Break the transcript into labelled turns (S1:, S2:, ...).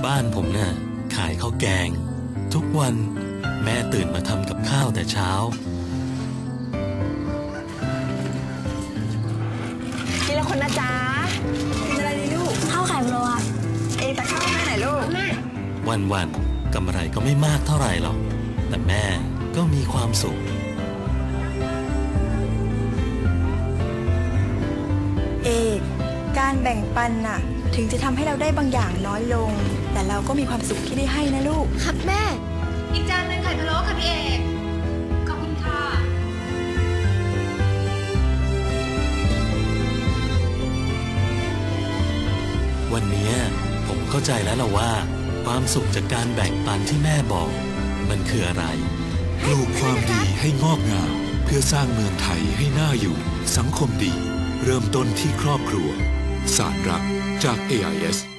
S1: บ้านผมเนี่ยขายข้าวแกงทุกวันแม่ตื่นมาทำกับข้าวแต่เช้า
S2: ทีละคนนะจ๊ะกินอะไรดีลูก
S3: ข้าวไข่พะโล้ครับ
S2: ตักข้าวแม่ไหนลูกแม่
S1: วันกำไรก็ไม่มากเท่าไหร่หรอกแต่แม่ก็มีความสุข
S4: การแบ่งปันน่ะถึงจะทำให้เราได้บางอย่างน้อยลงแต่เราก็มีความสุขที่ได้ให้นะลูก
S3: ครับแม่
S5: อีกจานหนึ่งไข่พะโล้ค่ะพี่เอกขอบคุณค่ะ
S1: วันนี้ผมเข้าใจแล้วล่ะว่าความสุขจากการแบ่งปันที่แม่บอกมันคืออะไร
S6: ปลูกความดีให้งอกงามเพื่อสร้างเมืองไทยให้น่าอยู่สังคมดีเริ่มต้นที่ครอบครัวสารรักจาก AIS